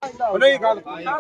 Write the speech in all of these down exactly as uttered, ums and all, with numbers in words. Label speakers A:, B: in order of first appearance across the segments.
A: ਨਹੀਂ ਗੱਲ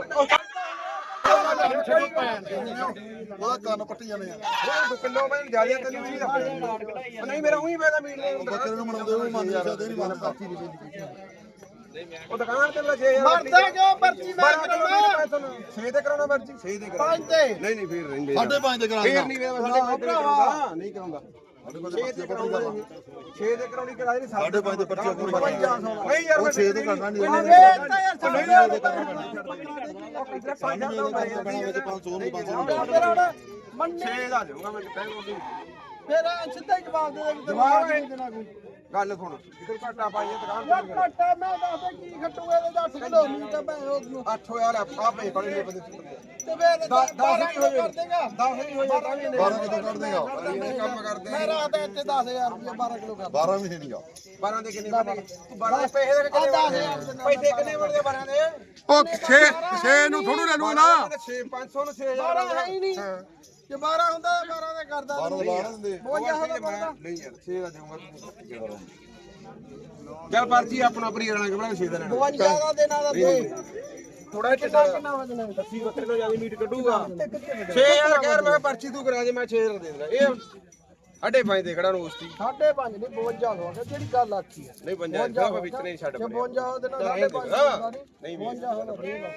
B: ਉਹਦਾ ਕੰਨ ਪੱਟੀ ਜਾਣੇ ਆ
A: ਕਿਲੋ ਮੈਂ ਜਿਆਦਾ ਤੈਨੂੰ ਨਹੀਂ ਦੱਸ ਨਹੀਂ ਮੇਰਾ ਉਹੀ ਮੈਂ ਤਾਂ ਮੀਟ
B: ਬੱਕਰੇ ਨੂੰ ਮਨਾਉਂਦੇ ਉਹ ਮੰਨ ਸਕਦੇ ਨਹੀਂ ਮੰਨ ਪਾਤੀ ਨਹੀਂ
A: ਉਹ ਦੁਕਾਨ ਤੇ ਛੇ ਹਜ਼ਾਰ
C: ਮਰਦਾ ਕਿਉਂ ਪਰਚੀ ਮੈਂ ਕਰਾਉਣਾ
A: ਛੇ ਤੇ ਕਰਾਉਣਾ ਮਰਜੀ ਛੇ ਤੇ ਕਰਾਉਣਾ
C: ਪੰਜ ਤੇ
A: ਨਹੀਂ ਨਹੀਂ ਫੇਰ ਰਹਿੰਦੇ
B: ਸਾਢੇ ਪੰਜ ਤੇ ਕਰਾ
A: ਫੇਰ ਨਹੀਂ ਮੈਂ ਸਾਢੇ ਪੰਜ ਤੇ ਕਰਾਉਂਦਾ ਨਹੀਂ ਕਰਾਉਂਦਾ ਛੇ ਤੇ ਕਰਾਉਂਦਾ ਛੇ ਤੇ ਕਰਾਉਣੀ ਕਰਾ ਨਹੀਂ
B: ਸਾਢੇ ਪੰਜ ਤੇ ਪਰਚੀ ਆਪਣੀ
A: ਨਹੀਂ ਯਾਰ
B: ਉਹ ਛੇ ਤੇ ਕਰਨਾ ਨਹੀਂ
C: ਇਹ ਤਾਂ ਯਾਰ
B: ਨਹੀਂ
C: ਸਾਡੇ
B: ਦੇ ਕਰਨਾ ਪੰਜ ਦੇ ਕਰਨਾ ਵਿੱਚ ਪੰਜ ਸੌ ਨੂੰ ਪੰਜ ਸੌ ਨੂੰ
C: ਮੰਨੇ
A: ਛੇ ਦਾ ਦੇਵਾਂਗਾ ਮੈਂ ਕਿਤੇ
C: ਫਿਰ ਸਿੱਧਾ ਹੀ ਜਵਾਬ ਦੇ ਦੇ
A: ਜਵਾਬ
C: ਨਹੀਂ ਦੇਣਾ ਕੋਈ
A: ਗੱਲ ਸੁਣ ਕਿਤੇ ਘਾਟਾ ਪਾਈਏ ਦੁਕਾਨ
C: ਯਾਰ
A: ਤੇ
C: ਘਟਾ ਮੈਂ ਦੱਸਦਾ ਕੀ ਖੱਟੂਗਾ ਇਹਦੇ ਅੱਠ ਕਿਲੋ ਮੀਟ ਆ ਭੈਣ ਉਹਨੂੰ
A: ਅੱਠ ਹਜ਼ਾਰ ਆ ਪੇ ਪੜੇ ਨੇ ਬੰਦੇ
C: ਤੇ ਫਿਰ
A: ਦਸ
C: ਬਾਰਾਂ
A: ਨਹੀਂ
C: ਕਿਲੋ
A: ਹੋਏ
C: ਕਰ ਦੇਗਾ
A: ਦਸ ਨਹੀਂ ਹੋਏ ਤਾਂ ਵੀ
B: ਬਾਰਾਂ ਕਿਲੋ ਕੱਢ ਦੇਗਾ
A: ਕੰਮ ਕਰਦੇ
C: ਮੈਂ ਰਾਤ ਇੱਥੇ ਦਸ ਹਜ਼ਾਰ ਰੁਪਏ ਬਾਰਾਂ ਕਿਲੋ ਕਰ
B: ਬਾਰਾਂ ਵੀ ਨਹੀਂਗਾ
A: ਬਾਰਾਂ ਦੇ ਕਿੰਨੇ ਬਣੇ ਤੂੰ ਬਾਰਾਂ ਦੇ ਪੈਸੇ ਦੇ ਕਿੰਨੇ
C: ਦਸ ਹਜ਼ਾਰ ਦੇ ਨਾਲ
A: ਪੈਸੇ ਕਿੰਨੇ ਬਣਦੇ ਬਾਰਾਂ ਦੇ
D: ਉਹ ਛੇ ਛੇ ਨੂੰ ਥੋੜੂ ਲੈ ਲੂ ਨਾ
A: ਛੇ ਪੰਜ ਸੌ ਨੂੰ ਛੇ ਹਜ਼ਾਰ
C: ਬਾਰਾਂ ਹੈ ਹੀ ਨਹੀਂ ਜੇ ਬਾਰਾਂ ਹੁੰਦਾ ਤਾਂ ਬਾਰਾਂ ਦਾ ਕਰਦਾ
B: ਬਾਰਾਂ ਲਾ ਦਿੰਦੇ
C: ਬਵੰਜਾ ਹੁੰਦਾ ਕਰਦਾ
A: ਨਹੀਂ ਯਾਰ ਛੇ ਦਾ ਦੇਵਾਂਗਾ ਤੂੰ ਚੱਲ ਪਰਚੀ ਆਪਣਾ ਪਰੀ ਰਣਾ ਕਿ ਬਣਾ ਛੇ ਦਾ ਲੈਣਾ
C: ਬਵੰਜਾ ਦਾ ਦੇਣਾ ਦਾ ਦੇ
A: ਥੋੜਾ
C: ਕਿੰਨਾ ਕਿੰਨਾ ਵਜਣਾ
A: ਅੱਸੀ ਬੱਕਰੇ ਤੋਂ ਜ਼ਿਆਦਾ ਮੀਟ ਕੱਢੂਗਾ ਛੇ ਹਜ਼ਾਰ ਕਹਿ ਮੈਂ ਪਰਚੀ ਤੂੰ ਕਰਾ ਦੇ ਮੈਂ ਛੇ ਹਜ਼ਾਰ ਦੇ ਦੇਣਾ ਇਹ ਸਾਢੇ ਪੰਜ ਦੇ ਖੜਾ ਰੋਸਤੀ
C: ਸਾਢੇ ਪੰਜ ਨਹੀਂ ਬਵੰਜਾ ਹੋ ਗਿਆ ਜਿਹੜੀ ਗੱਲ ਆਖੀ ਹੈ
A: ਨਹੀਂ ਪੰਜਾਹ ਦਾ ਵਿੱਚ ਨਹੀਂ ਛੱਡ
C: ਜੇ
A: ਪਰੇ
C: ਬਵੰਜਾ ਉਹਦੇ ਨਾਲ ਸਾਢੇ ਪੰਜ ਨਹੀਂ ਬਵੰਜਾ ਹੋਣਾ ਦੇਗਾ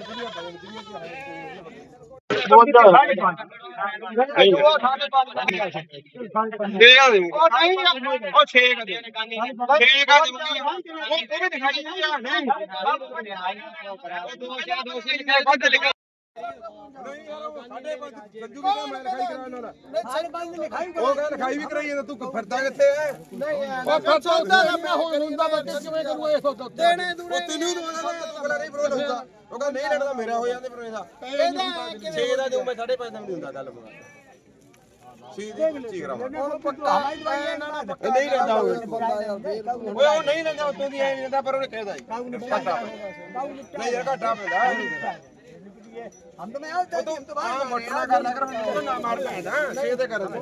A: ਦੇ ਆ ਦੇ ਉਹ ਛੇ ਕਾ ਦੇ ਛੇ ਕਾ ਦੇ ਉਹ ਵੀ ਦਿਖਾਈ ਨਹੀਂ ਆ ਨਹੀਂ ਦੋ ਚਾਰ ਦੋ ਸੇ ਲਿਖਿਆ ਵੱਧ ਲਿਖਿਆ ਨਹੀਂ ਯਾਰ ਸਾਡੇ ਪੰਜ ਸੰਜੂ ਕਿਹਾ ਮੈਂ ਲਿਖਾਈ ਕਰਾ ਇਹਨਾਂ ਦਾ
C: ਸਾਡੇ ਪੰਜ ਲਿਖਾਈ
A: ਉਹ ਕਹਿੰਦਾ ਲਿਖਾਈ ਵੀ ਕਰਾਈ ਜਾਂਦਾ ਤੂੰ ਫਿਰਦਾ ਕਿੱਥੇ ਐ
C: ਨਹੀਂ ਯਾਰ ਉਹ ਸੌਦਾ ਨਾ ਮੈਂ ਹੁਣ ਹੁੰਦਾ ਬੱਚੇ ਕਿਵੇਂ ਕਰੂ ਇਹ ਸੌਦਾ ਦੇਣੇ ਦੂਣੇ
A: ਉਹ ਤੈਨੂੰ ਦਵਾਣਾ ਤੂੰ ਬੜਾ ਨਹੀਂ ਬਰੋਲ ਹੁੰਦਾ ਉਹ ਕਹਿੰਦਾ ਨਹੀਂ ਲੜਦਾ ਮੇਰਾ ਹੋ ਜਾਂਦੇ ਪਰ ਇਹਦਾ
C: ਇਹਦਾ
A: ਛੇ ਦਾ ਦੇਉ ਮੈਂ ਸਾਢੇ ਪੰਜ ਦਾ ਨਹੀਂ ਹੁੰਦਾ ਗੱਲ ਮੁਕਾ ਛੇ ਦੀ ਪੱਚੀ ਕਰਾਵਾਂ
C: ਹੁਣ ਪੱਕਾ ਦਵਾਈ ਨਾਲ
A: ਨਹੀਂ ਲੈਂਦਾ ਉਹ
C: ਬੰਦਾ ਯਾਰ ਦੇ ਦਊਗਾ
A: ਓਏ ਉਹ ਨਹੀਂ ਲੈਂਦਾ ਉਤੋਂ ਦੀ ਐ ਨਹੀਂ ਲੈਂਦਾ ਪਰ ਉਹਨੇ ਕਹਿਦਾ ਨਹੀਂ ਯਾਰ ਘਾਟਾ ਪੈਂਦਾ
C: ਹਮ ਤਾਂ ਮੈਂ ਆ
A: ਤੂੰ ਹਾਂ ਮੋਟਣਾ ਕਰ ਲੈ ਕਰ ਮੈਨੂੰ ਨਾ ਮਾਰ ਪੈਂਦਾ ਛੇ ਤੇ ਕਰ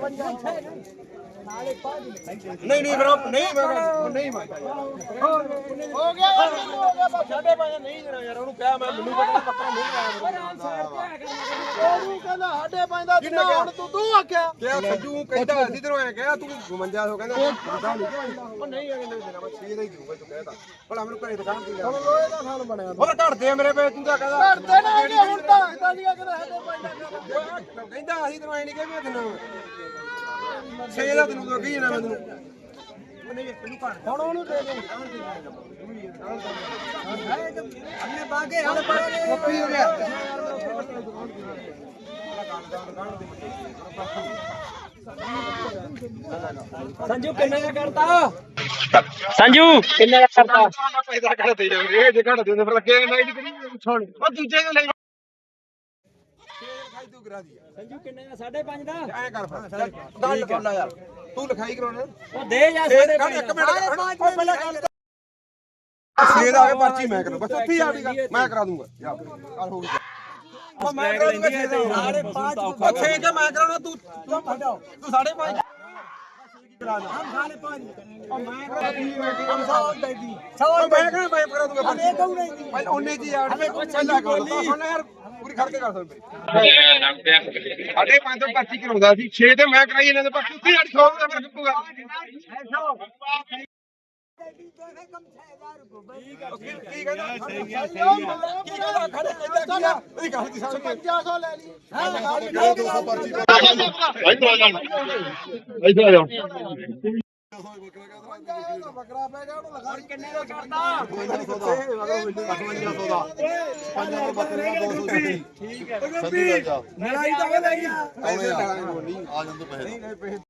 A: ਨਹੀਂ ਨਹੀਂ ਬਰੋ ਨਹੀਂ ਮੈਂ ਨਹੀਂ ਮੈਂ
C: ਹੋ ਗਿਆ ਯਾਰ ਮੈਨੂੰ ਹੋ ਗਿਆ ਬਸ
A: ਸਾਢੇ ਪੰਜ ਨਹੀਂ ਦੇਣਾ ਯਾਰ ਉਹਨੂੰ ਕਿਹਾ ਮੈਂ ਮੈਨੂੰ ਪਤਾ ਪੱਕਾ ਨਹੀਂ ਲਾਇਆ
C: ਉਹਨੂੰ ਕਹਿੰਦਾ ਸਾਢੇ ਪੰਜ ਦਾ ਦਿਨਾ ਹੁਣ ਤੂੰ ਤੂੰ ਆਖਿਆ
A: ਕਿਹਾ ਸੱਜੂ ਕਹਿੰਦਾ ਅਸੀਂ ਤੈਨੂੰ ਐ ਕਿਹਾ ਤੂੰ ਬਵੰਜਾ ਸੌ ਕਹਿੰਦਾ ਪਤਾ ਨਹੀਂ ਉਹ ਨਹੀਂ ਐਵੇਂ ਨਹੀਂ ਦੇਣਾ ਮੈਂ ਛੇ ਦਾ ਹੀ ਦਊਗਾ ਤੂੰ ਕਹਿਦਾ ਭਲਾ ਮੈਨੂੰ ਘਰੇ ਦੁਕਾਨ ਤੇ
C: ਹੁਣ ਲੋਹੇ ਦਾ ਖਾਨ ਬਣਿਆ
A: ਹੋਰ ਘੜਦੇ ਆ ਮੇਰੇ ਪੇ ਤੂੰ ਤਾਂ ਕਹਿੰਦਾ
C: ਕਰਦੇ ਨਾ ਇਹਨੇ ਹੁਣ ਤਾਂ ਆਖਦਾ ਨਹੀਂ ਕਹਿੰਦਾ ਸਾਢੇ ਪੰਜ ਦਾ ਕਰ
A: ਕਹਿੰਦਾ ਅਸੀਂ ਤੈਨੂੰ ਐ ਨਹੀਂ ਕਿਹਾ ਮੈਂ ਤੈਨੂੰ ਛੇ ਦਾ ਤੈਨੂੰ ਤਾਂ ਕਹੀ ਜਾਣਾ ਮੈਂ ਤੈਨੂੰ
C: ਹੁਣ ਉਹਨੂੰ ਦੇ ਦੇ
A: ਅੰਨੇ ਬਾਗੇ ਹਲ ਪੜੇ ਹੋ ਗਿਆ
C: ਸੰਜੂ ਕਿੰਨੇ ਦਾ ਕਰਤਾ
E: ਸੰਜੂ ਕਿੰਨੇ ਦਾ ਕਰਤਾ
A: ਪੈਸਾ ਘੜ ਦੇ ਜਾਵੇ ਇਹ ਜੇ ਘੜ ਦੇ ਫਿਰ ਲੱਗੇ ਨਹੀਂ ਕਰੀ ਛੋੜ ਉਹ ਦੂਜੇ ਨੂੰ ਲੈ ਲਿਖਾਈ ਤੂੰ ਕਰਾ ਦੀ
E: ਸੰਜੂ ਕਿੰਨੇ ਦਾ ਸਾਢੇ ਪੰਜ ਦਾ
A: ਐ ਕਰ ਫਿਰ ਗੱਲ ਕਰ ਲੈ ਯਾਰ ਤੂੰ ਲਿਖਾਈ ਕਰਾਉਣਾ
E: ਉਹ ਦੇ ਜਾ ਸਾਢੇ ਪੰਜ
A: ਇੱਕ ਮਿੰਟ ਉਹ ਪਹਿਲਾਂ ਗੱਲ ਛੇ ਦਾ ਆ ਕੇ ਪਰਚੀ ਮੈਂ ਕਰਾਂ ਬਸ ਉੱਥੇ ਹੀ ਆ ਗਈ ਮੈਂ ਕਰਾ ਦੂੰਗਾ ਜਾ ਕੱਲ ਹੋ ਗਈ ਉਹ ਮੈਂ ਕਰਾ ਦੂੰਗਾ ਛੇ ਦਾ ਸਾਢੇ ਪੰਜ ਉਹ ਛੇ ਕੇ ਮੈਂ ਕਰਾਉਣਾ ਤੂੰ ਤੂੰ ਸਾਢੇ ਪੰਜ
C: ਹਮ ਸਾਢੇ ਪੰਜ
A: ਉਹ ਮੈਂ ਕਰਾ ਦੂੰਗਾ
C: ਹਮ ਸੌ ਦੇ ਦੀ
A: ਉਹ ਮੈਂ ਕਰਾਂ ਮੈਂ ਕਰਾ ਦੂੰਗਾ
C: ਇਹ ਕਹੂ ਨਹੀਂ ਦੀ
A: ਪਹਿਲਾਂ ਉਹਨੇ ਜੀ ਯਾਰ ਪਹਿਲਾਂ ਕਰ ਹੁਣ ਯਾਰ ਪੂਰੀ ਖੜ ਕੇ ਕਰ ਸਕਦੇ ਸਾਢੇ ਪੰਜ ਤੋਂ ਪਰਚੀ ਕਰਾਉਂਦਾ ਸੀ ਛੇ ਤੇ ਮੈਂ ਕਰਾਈ ਇਹਨਾਂ ਦੇ ਪਰ ਤੁਸੀਂ ਅੱਠ ਸੌ ਦਾ ਫਰਕ ਪਊਗਾ ਕੀ ਕਹਿੰਦਾ ਸਹੀ ਹੈ ਸਹੀ ਹੈ ਕੀ ਕਹਿੰਦਾ ਖੜੇ ਕਹਿੰਦਾ ਕੀ ਆ ਇਹਦੀ ਗੱਲ ਦੀ ਸਮਝ
C: ਪੰਜਾਹ ਸੌ ਲੈ ਲਈ
B: ਇਹ ਦੋ ਸੌ ਪਰਚੀ
C: ਬੱਕਰਾ ਪੈ ਗਿਆ ਉਹਨੂੰ ਲਗਾ
E: ਕਿੰਨੇ ਦਾ ਕਰਤਾ
B: ਪਚਵੰਜਾ ਸੌ ਦਾ ਪੰਜਾਂ ਦੇ ਬੱਕਰੇ ਦਾ ਦੋ ਸੌ ਠੀਕ ਹੈ ਸੰਧੂ ਦਾ ਜਾ
A: ਲੜਾਈ ਤਾਂ ਲੈ ਗਿਆ
B: ਆਉਣੇ ਆ ਆ ਜਾਂਦੇ ਪੈਸੇ